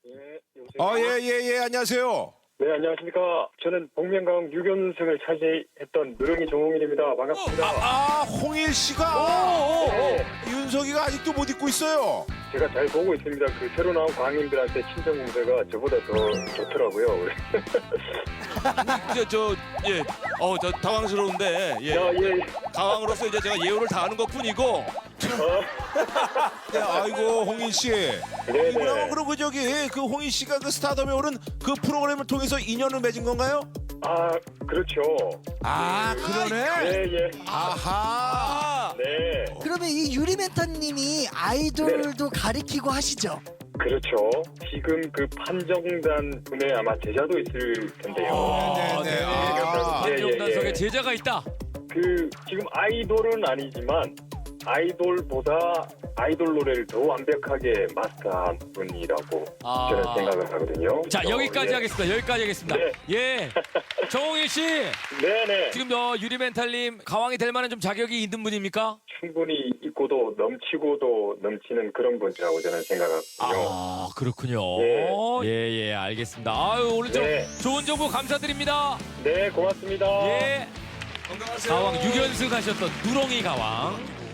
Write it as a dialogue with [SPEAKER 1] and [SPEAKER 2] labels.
[SPEAKER 1] 예, 여보세요?
[SPEAKER 2] 예, 안녕하세요.
[SPEAKER 1] 네, 안녕하십니까. 저는 복면가왕 6연승을 차지했던 누렁이 정홍일입니다. 반갑습니다.
[SPEAKER 2] 홍일 씨가 윤석이가 아직도 못 잊고 있어요.
[SPEAKER 1] 제가 잘 보고 있습니다. 그 새로 나온 광인들한테 친정 공세가 저보다 더 좋더라고요.
[SPEAKER 3] 저 당황스러운데, 예.
[SPEAKER 1] 야, 예.
[SPEAKER 3] 당황으로서 이제 제가 예우를 다하는 것 뿐이고,
[SPEAKER 2] 네, 아이고 홍일 씨.
[SPEAKER 1] 네네.
[SPEAKER 2] 이분하고 그럼 그 홍일 씨가 그 스타덤에 오른 그 프로그램을 통해서 인연을 맺은 건가요?
[SPEAKER 1] 아, 그렇죠.
[SPEAKER 2] 그러네.
[SPEAKER 1] 예, 예.
[SPEAKER 2] 아하.
[SPEAKER 1] 네.
[SPEAKER 4] 그러면 이 유리멘토님이 아이돌도 가리키고 하시죠?
[SPEAKER 1] 그렇죠. 지금 그 판정단 분에 아마 제자도 있을 텐데요.
[SPEAKER 2] 네네.
[SPEAKER 3] 한정단석에 제자가 있다.
[SPEAKER 1] 그 지금 아이돌은 아니지만 아이돌보다 아이돌 노래를 더 완벽하게 마스터한 분이라고 저는 생각을 하거든요.
[SPEAKER 3] 자,
[SPEAKER 1] 그래서,
[SPEAKER 3] 여기까지
[SPEAKER 1] 예.
[SPEAKER 3] 하겠습니다. 여기까지 하겠습니다.
[SPEAKER 1] 네.
[SPEAKER 3] 예. 정홍일 씨,
[SPEAKER 1] 네네.
[SPEAKER 3] 지금 유리멘탈님 가왕이 될 만한 좀 자격이 있는 분입니까?
[SPEAKER 1] 충분히 있고도 넘치고도 넘치는 그런 분이라고 저는 생각하거든요.
[SPEAKER 3] 아, 그렇군요.
[SPEAKER 1] 예.
[SPEAKER 3] 예, 알겠습니다. 아유, 오늘 좀
[SPEAKER 1] 네.
[SPEAKER 3] 좋은 정보 감사드립니다.
[SPEAKER 1] 네, 고맙습니다.
[SPEAKER 3] 예. 가왕 6연승 하셨던 누렁이 가왕.